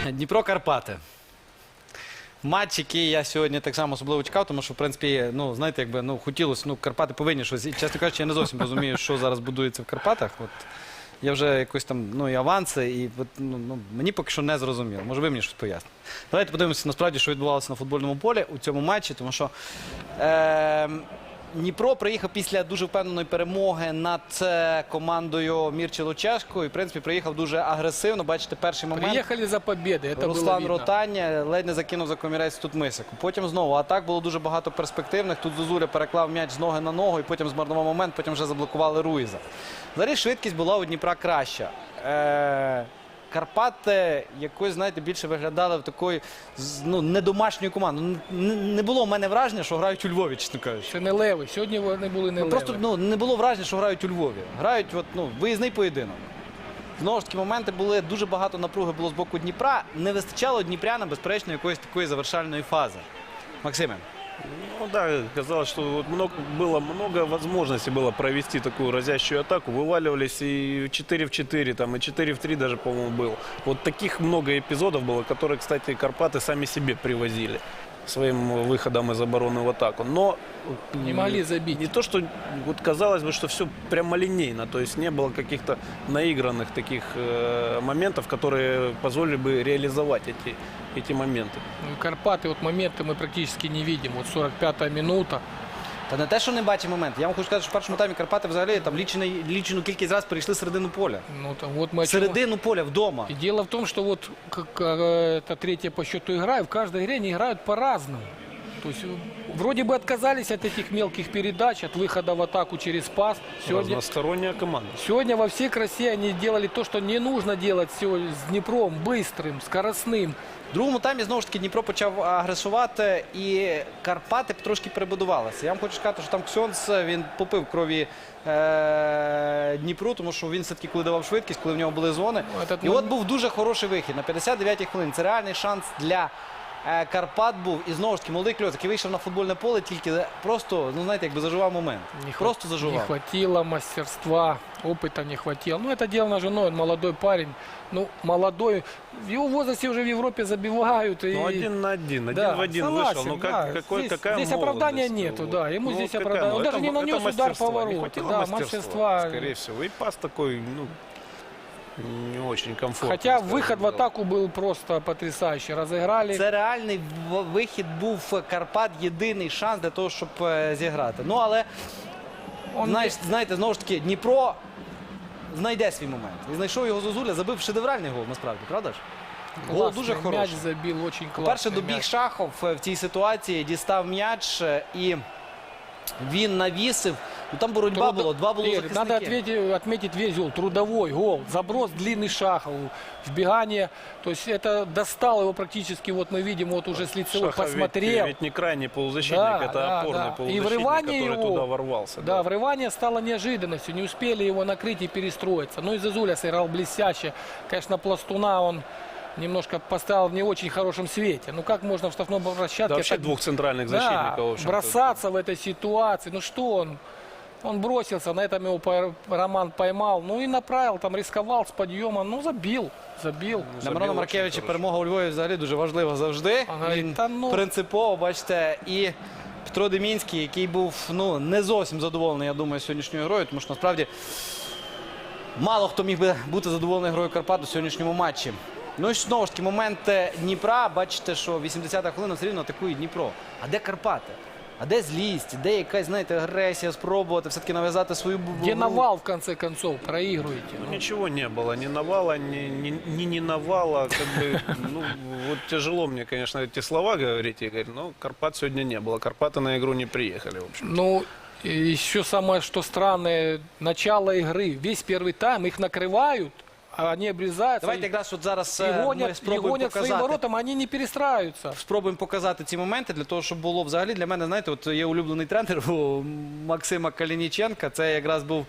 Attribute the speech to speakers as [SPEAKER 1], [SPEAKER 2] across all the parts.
[SPEAKER 1] Дніпро-Карпати. Матч, який я сьогодні так само особливо чекав, тому що, в принципі, ну, знаєте, якби, ну, хотілося, ну, Карпати повинні щось. І, чесно кажучи, я не зовсім розумію, що зараз будується в Карпатах. От, я вже якось там, ну, і аванси, і от, ну, мені поки що не зрозуміло. Може, ви мені щось поясните. Давайте подивимося, насправді, що відбувалося на футбольному полі у цьому матчі, тому що Дніпро приїхав після дуже впевненої перемоги над командою Мірчі Лучешко. І, в принципі, приїхав дуже агресивно. Бачите, перший момент.
[SPEAKER 2] Приїхали за побєди, це
[SPEAKER 1] Руслан Ротання ледь не закинув за комірець тут Мисику. Потім знову атак було дуже багато перспективних. Тут Зозуля переклав м'яч з ноги на ногу і потім змарнував момент, потім вже заблокували Руїза. Взагалі швидкість була у Дніпра краща. Карпати якось, знаєте, більше виглядали в такої, ну, недомашньої команди. Не було в мене враження, що грають у Львові, чесно кажучи.
[SPEAKER 2] Це не леви. Сьогодні вони були не леви.
[SPEAKER 1] Просто, ну, не було враження, що грають у Львові. Грають, от, ну, виїзний поєдинок. Знову ж таки, моменти були, дуже багато напруги було з боку Дніпра. Не вистачало дніпрянам, безперечно, якоїсь такої завершальної фази. Максиме.
[SPEAKER 3] Ну да, казалось, что вот было много возможностей было провести такую разящую атаку. Вываливались и 4 в 4, там, и 4 в 3 даже, по-моему, был. Вот таких много эпизодов было, которые, кстати, Карпаты сами себе привозили своим выходом из обороны в атаку. Но
[SPEAKER 2] не могли забить.
[SPEAKER 3] Не то, что вот казалось бы, что все прямолинейно, то есть не было каких-то наигранных таких моментов, которые позволили бы реализовать эти моменты.
[SPEAKER 2] Ну, Карпаты, вот моменты мы практически не видим. Вот 45-я минута.
[SPEAKER 1] Та не те, що не бачить момент. Я вам хочу сказати, що в першому таймі Карпати взагалі там лічену кількість разів перейшли середину поля.
[SPEAKER 2] Ну, там, вот мы
[SPEAKER 1] середину поля вдома.
[SPEAKER 2] И дело в том, что вот это третья по счету игра, и в каждой игре они играют по-разному. То есть вроде бы отказались от этих мелких передач, от выхода в атаку через пас.
[SPEAKER 3] Разносторонняя команда.
[SPEAKER 2] Сегодня во всей красе они делали то, что не нужно делать сегодня с Днепром, быстрым, скоростным.
[SPEAKER 1] В другому таймі, знову ж таки, Дніпро почав агресувати і Карпати трошки перебудувалися. Я вам хочу сказати, що там Ксьонс, він попив крові Дніпру, тому що він все-таки, коли давав швидкість, коли в нього були зони. І от був дуже хороший вихід на 59-й хвилині. Це реальний шанс для Карпат був. І знову ж таки, молодий Кльоц, який вийшов на футбольне поле, тільки просто, ну знаєте, якби заживав момент. Просто заживав.
[SPEAKER 2] Не хватило мастерства, опыта не хватило. Ну, это дело на женой, он молодой парень. Ну, молодой. В его возрасте уже в Европе забивают.
[SPEAKER 3] Ну,
[SPEAKER 2] и...
[SPEAKER 3] 1 на 1,
[SPEAKER 2] да,
[SPEAKER 3] 1 в 1
[SPEAKER 2] согласен,
[SPEAKER 3] вышел. Ну,
[SPEAKER 2] да.
[SPEAKER 3] какая
[SPEAKER 2] здесь оправдания нету,
[SPEAKER 3] вот.
[SPEAKER 2] да. Ему
[SPEAKER 3] ну,
[SPEAKER 2] здесь
[SPEAKER 3] какая,
[SPEAKER 2] оправдания. Он даже не нанес удар по вороту. Да, мастерства.
[SPEAKER 3] Скорее всего. И пас такой, ну, не очень комфортный.
[SPEAKER 2] Хотя выход в атаку был просто потрясающий. Разыграли.
[SPEAKER 1] Це реальний вихід був Карпат, єдиний шанс для того, щоб зіграти. Ну, але, знаєте, знову ж таки, Дніпро знайде свій момент. І знайшов його Зозуля, забив шедевральний гол, насправді, правда ж? Гол дуже хороший.
[SPEAKER 2] Мяч забил, очень классный.
[SPEAKER 1] Перше добіг Шахов в цій ситуації, дістав м'яч і він навісив. Ну, там боротьба була, два було захисники.
[SPEAKER 2] Надо отметить весь гол, трудовой гол, заброс длинный Шахову, вбегание, то есть это достал его практически, вот мы видим, вот уже с лицевой
[SPEAKER 3] Шахов
[SPEAKER 2] посмотрел.
[SPEAKER 3] ведь не крайний полузащитник, это опорный полузащитник, который туда ворвался.
[SPEAKER 2] Да, врывание стало неожиданностью, не успели его накрыть и перестроиться. Ну и Зозуля сыграл блестяще, конечно, Пластуна он немножко поставил в не очень хорошем свете. Ну как можно в штрафном площадке...
[SPEAKER 3] Да, вообще двух центральных защитников.
[SPEAKER 2] Да, бросаться в этой ситуации, ну что он... Он бросился, на этом его Роман поймал, ну и направил, там рисковал с подъемом, ну забил.
[SPEAKER 1] Для Мирона Маркевича перемога у Львові взагалі дуже важлива завжди. Він принципово, бачите, і Петро Демінський, який був, ну, не зовсім задоволений, я думаю, сьогоднішньою грою, тому що насправді мало хто міг би бути задоволений грою Карпат у сьогоднішньому матчі. Ну і знову ж таки, момент Дніпра, бачите, що 80-та хвилина все рівно атакує Дніпро. А де Карпати? А де злість, де якась, знаєте, агресія, спробувати все-таки нав'язати свою...
[SPEAKER 2] Где навал, в конце концов, проигрываете?
[SPEAKER 3] Ну, ничего не было, ни навала, ни навала, как бы, ну, вот тяжело мне, конечно, эти слова говорить, Игорь, но Карпат сегодня не было, Карпаты на игру не приехали, в общем.
[SPEAKER 2] Ну, еще самое, что странное, начало игры, весь первый тайм, их накрывают, а они обрезаются.
[SPEAKER 1] Давайте якраз от зараз
[SPEAKER 2] ми
[SPEAKER 1] гонять
[SPEAKER 2] своїм воротам, вони не перестраюються.
[SPEAKER 1] Спробуємо показати ці моменти для того, щоб було взагалі для мене, знаєте, от є улюблений тренер у Максима Калініченка, це якраз був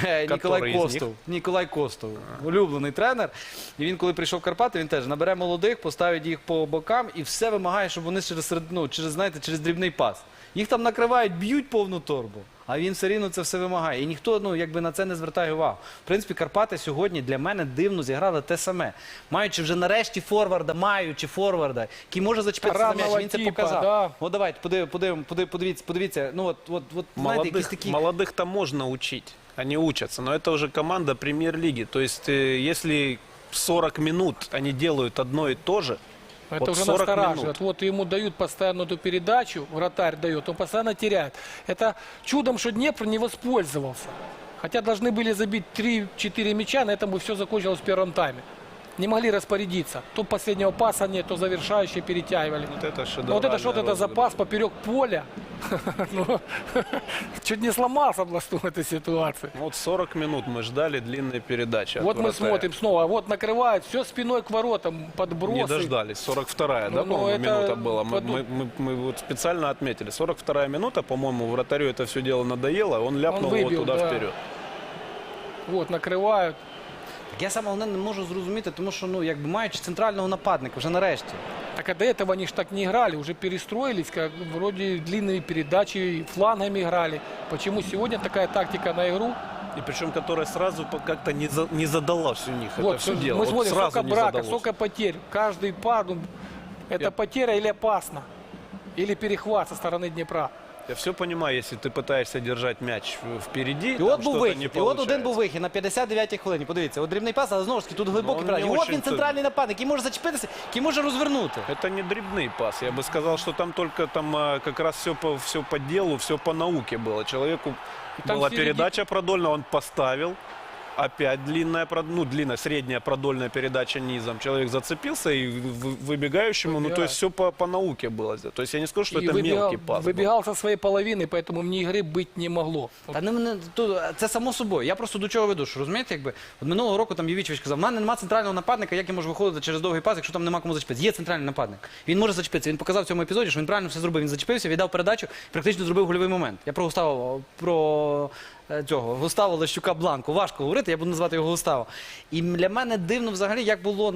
[SPEAKER 1] Ніколай Костов, улюблений тренер. І він, коли прийшов в Карпати, він теж набере молодих, поставить їх по бокам і все вимагає, щоб вони через дрібний пас. Їх там накривають, б'ють повну торбу. а він все рівно це все вимагає. І ніхто, ну, якби на це не звертає увагу. В принципі, Карпати сьогодні для мене дивно зіграли те саме. Маючи вже нарешті форварда, який може зачепитися за м'яч, він це
[SPEAKER 2] типа,
[SPEAKER 1] показав.
[SPEAKER 2] да.
[SPEAKER 1] От давайте, подивіться. Ну, знаєте, якісь такі...
[SPEAKER 3] Молодых-то можно учить, они учатся, но это уже команда премьер-лиги. То есть, если 40 минут они делают одно и то же,
[SPEAKER 2] Это
[SPEAKER 3] вот
[SPEAKER 2] уже
[SPEAKER 3] 40
[SPEAKER 2] настораживает.
[SPEAKER 3] минут.
[SPEAKER 2] Вот ему дают постоянно эту передачу, вратарь дает, он постоянно теряет. Это чудом, что Днепр не воспользовался. Хотя должны были забить 3-4 мяча, на этом бы все закончилось в первом тайме. Не могли распорядиться. То последнего паса нет, то завершающие перетягивали.
[SPEAKER 3] Вот это
[SPEAKER 2] Но вот это что-то, это запас поперек поля. Ну, чуть не сломался Бластун в этой ситуации.
[SPEAKER 3] Вот 40 минут мы ждали длинной передачи. от
[SPEAKER 2] Вот мы
[SPEAKER 3] вратаря.
[SPEAKER 2] смотрим снова, вот накрывают, все спиной к воротам, подбросы.
[SPEAKER 3] Не дождались. 42-я, да,
[SPEAKER 2] Ну,
[SPEAKER 3] по-моему,
[SPEAKER 2] это
[SPEAKER 3] минута была.
[SPEAKER 2] подумай.
[SPEAKER 3] Мы вот специально отметили. 42-я минута, по-моему, вратарю это все дело надоело, он ляпнул
[SPEAKER 2] Он
[SPEAKER 3] его
[SPEAKER 2] выбил,
[SPEAKER 3] туда
[SPEAKER 2] да.
[SPEAKER 3] вперед.
[SPEAKER 2] Вот, накрывают.
[SPEAKER 1] Так я саме головне не можу зрозуміти, тому що, ну, якби маючи центрального нападника вже нарешті.
[SPEAKER 2] Так а до этого они ж так не играли, уже перестроились, как вроде длинные передачи, флангами играли. Почему сегодня такая тактика на игру?
[SPEAKER 3] И причем, которая сразу как-то не задалась у них. это
[SPEAKER 2] Вот,
[SPEAKER 3] все дело.
[SPEAKER 2] мы
[SPEAKER 3] Вот
[SPEAKER 2] смотрим,
[SPEAKER 3] сразу
[SPEAKER 2] сколько
[SPEAKER 3] не
[SPEAKER 2] брака,
[SPEAKER 3] задалось.
[SPEAKER 2] сколько потерь. Каждый пар, ну, это потеря или опасно, или перехват со стороны Днепра.
[SPEAKER 3] Я все понимаю, если ты пытаешься держать мяч впереди,
[SPEAKER 1] І
[SPEAKER 3] там
[SPEAKER 1] от був
[SPEAKER 3] что-то
[SPEAKER 1] вихід,
[SPEAKER 3] не
[SPEAKER 1] і от один
[SPEAKER 3] получается.
[SPEAKER 1] був вихід на 59-й хвилині. Подивіться, от дрібний пас, але знову ж таки тут глибокий
[SPEAKER 3] он
[SPEAKER 1] передач.
[SPEAKER 3] не
[SPEAKER 1] І от
[SPEAKER 3] очень
[SPEAKER 1] він центральний нападник, який може зачепитися, який може розвернути.
[SPEAKER 3] Это не дребный пас. Я бы сказал, что там только как раз все по делу, все по науке было. Человеку
[SPEAKER 2] там
[SPEAKER 3] была
[SPEAKER 2] впереди-
[SPEAKER 3] передача продольная, он поставил. Опять длинная, средняя продольная передача низом. Человек зацепился и выбегающему, ну то есть все по науке было. То есть я не скажу, что
[SPEAKER 2] И
[SPEAKER 3] это мелкий пас. был.
[SPEAKER 2] выбегал со своей половины, поэтому вне игры быть не могло.
[SPEAKER 1] Та це само собою. Я просто до чого веду, що розумієте, якби от минулого року там Євічевич казав, в мене немає центрального нападника, як я можу виходити через довгий пас, якщо там нема кому зачепитися. Є центральний нападник. Він може зачепитися. Він показав в цьому епізоді, що він правильно все зробив. Він зачепився, віддав передачу, практично зробив гольовий момент. Я про цього Густаво Лещука Бланку. Важко говорити, я буду називати його Густаво. І для мене дивно взагалі, як було,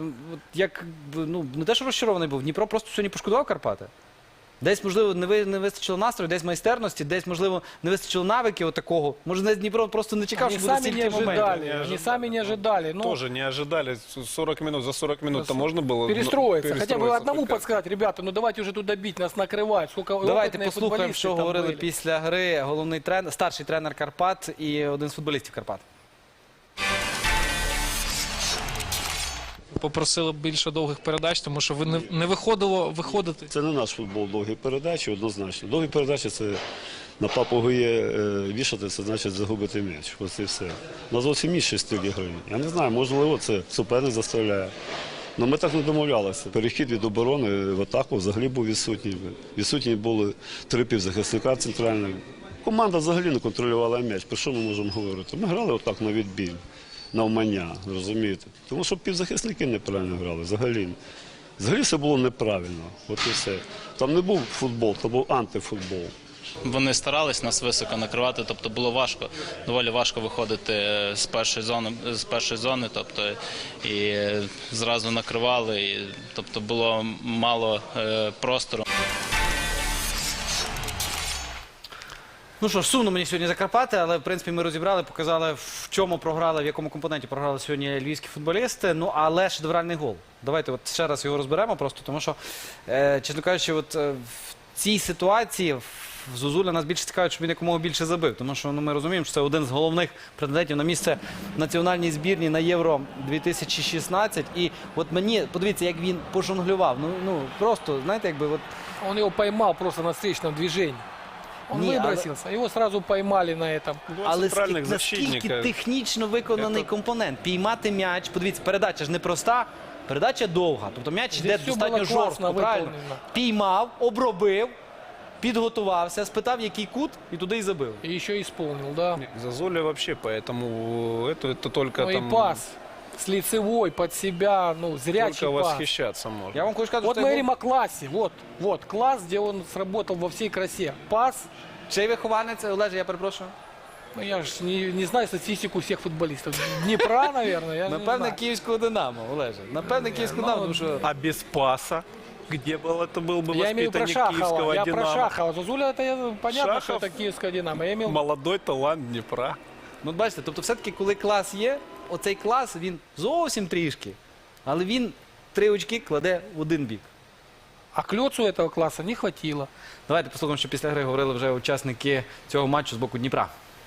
[SPEAKER 1] не те, що розчарований був, Дніпро просто сьогодні пошкодував Карпати. Десь, можливо, не вистачило настрою, десь майстерності, десь, можливо, не вистачило навиків такого. Може, Дніпро просто не чекав,
[SPEAKER 2] Они
[SPEAKER 1] що буде
[SPEAKER 2] сами не
[SPEAKER 1] стільки моментів.
[SPEAKER 2] ожидали, они сами не ожидали. Ну,
[SPEAKER 3] Тоже не ожидали. 40 минут, за 40 минут-то можно было
[SPEAKER 2] перестроиться. Хотя бы одному
[SPEAKER 3] только.
[SPEAKER 2] подсказать, ребята, ну давайте уже туда бить, нас накрывают. Сколько
[SPEAKER 1] Давайте
[SPEAKER 2] опытные
[SPEAKER 1] послухаємо,
[SPEAKER 2] футболисты
[SPEAKER 1] що
[SPEAKER 2] там
[SPEAKER 1] говорили
[SPEAKER 2] были.
[SPEAKER 1] після гри головний тренер, старший тренер Карпат і один з футболістів Карпат.
[SPEAKER 4] Попросили більше довгих передач, тому що не виходило виходити.
[SPEAKER 5] Це не наш футбол, довгі передачі, однозначно. Довгі передачі це на папугує вішати, це значить загубити м'яч. Ось і все. У нас зовсім інший стиль гри. Я не знаю, можливо, це суперник заставляє. Але ми так не домовлялися. Перехід від оборони в атаку взагалі був відсутній. Відсутні були 3 півзахисника центральних. Команда взагалі не контролювала м'яч. Про що ми можемо говорити? Ми грали отак на відбій, навмання, розумієте? Тому що півзахисники неправильно грали, взагалі. Взагалі все було неправильно, от і все. Там не був футбол, там був антифутбол.
[SPEAKER 6] Вони старались нас високо накривати, тобто було важко, доволі важко виходити з першої зони, тобто і зразу накривали, і, тобто було мало простору.
[SPEAKER 1] Ну що ж, сумно мені сьогодні за Карпати, але в принципі ми розібрали, показали, в чому програли, в якому компоненті програли сьогодні львівські футболісти. Ну, але шедевральний гол. Давайте от ще раз його розберемо просто, тому що, чесно кажучи, от в цій ситуації в Зозуля нас більше цікавить, щоб він якомога більше забив. Тому що ми розуміємо, що це один з головних претендентів на місце в національній збірні на Євро 2016. І от мені, подивіться, як він пожонглював. Ну просто, знаєте, якби от...
[SPEAKER 2] Он его поймал просто на встречном движении. Он
[SPEAKER 1] Не,
[SPEAKER 2] выбросился, его сразу поймали на этом.
[SPEAKER 3] Два
[SPEAKER 1] Але
[SPEAKER 3] центральных
[SPEAKER 1] наскільки
[SPEAKER 3] защитника.
[SPEAKER 1] технічно виконаний компонент. Піймати м'яч. Подивіться, передача ж не проста, передача довга. Тобто м'яч
[SPEAKER 2] Здесь
[SPEAKER 1] йде
[SPEAKER 2] все
[SPEAKER 1] достатньо
[SPEAKER 2] було класно
[SPEAKER 1] жорстко, правильно?
[SPEAKER 2] виконано.
[SPEAKER 1] Піймав, обробив, підготувався, спитав, який кут, і туди і забив.
[SPEAKER 2] И еще исполнил, да.
[SPEAKER 3] Зазоля вообще, поэтому это только
[SPEAKER 2] Ну и
[SPEAKER 3] там
[SPEAKER 2] пас с лицевой под себя, ну, зрячий
[SPEAKER 3] только
[SPEAKER 2] пас.
[SPEAKER 3] восхищаться можно.
[SPEAKER 1] Я вам хочу сказати,
[SPEAKER 2] Вот
[SPEAKER 1] що
[SPEAKER 2] мы
[SPEAKER 1] це
[SPEAKER 2] говорим о классе. Вот класс, где он сработал во всей красе. Пас.
[SPEAKER 1] чий вихованець, Олеже, я перепрошую.
[SPEAKER 2] Ну, я ж не знаю статистику всех футболистов. Днепра, наверное, я же не
[SPEAKER 1] Напевне,
[SPEAKER 2] знаю.
[SPEAKER 1] київського Динамо, Олеже. Напевне, київського Динамо, тому що...
[SPEAKER 3] А без паса Где это был бы
[SPEAKER 2] Я имею в виду про
[SPEAKER 3] воспитанник
[SPEAKER 2] Шахова.
[SPEAKER 3] киевского
[SPEAKER 2] Я про
[SPEAKER 3] «Динамо».
[SPEAKER 2] Шахова. Зозуля, это понятно, что
[SPEAKER 3] Шахов?
[SPEAKER 2] это киевское «Динамо». Я имел...
[SPEAKER 3] Молодой талант Днепра.
[SPEAKER 1] Ну, от бачите, тобто все-таки, коли клас є, оцей клас, він зовсім трішки, але він 3 очки кладе в один бік.
[SPEAKER 2] А Клёцу этого класса не хватило.
[SPEAKER 1] Давайте послухаємо, що після гри говорили вже учасники цього матчу з боку Дніпра.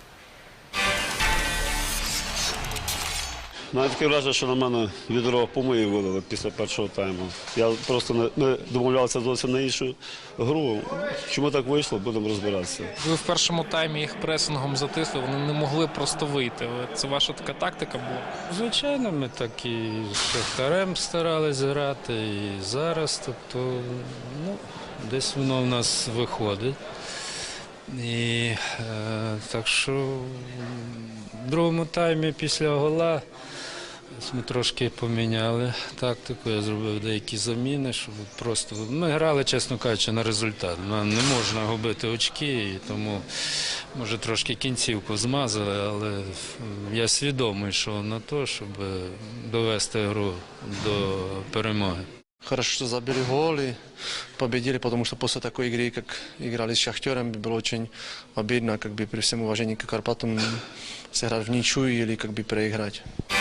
[SPEAKER 5] Навіть таке враження, що на мене відро помиї вилили після першого тайму. Я просто ми домовлялися зовсім на іншу гру. Чому так вийшло, будемо розбиратися.
[SPEAKER 4] Ви в першому таймі їх пресингом затисли, вони не могли просто вийти. Це ваша така тактика була?
[SPEAKER 7] Звичайно, ми так і з Шахтарем старались грати, і зараз. Тобто, ну, десь воно в нас виходить. І так що в другому таймі після гола ми трошки поміняли тактику. Я зробив деякі заміни, щоб просто ми грали, чесно кажучи, на результат. Нам не можна губити очки, і тому може трошки кінцівку змазали, але я свідомий, що на те, щоб довести гру до перемоги.
[SPEAKER 8] Хорошо, что забили гол и победили, потому что после такой игры, как играли с Шахтером, было очень обидно, как бы при всем уважении к Карпатам сыграть в ничью или как бы проиграть.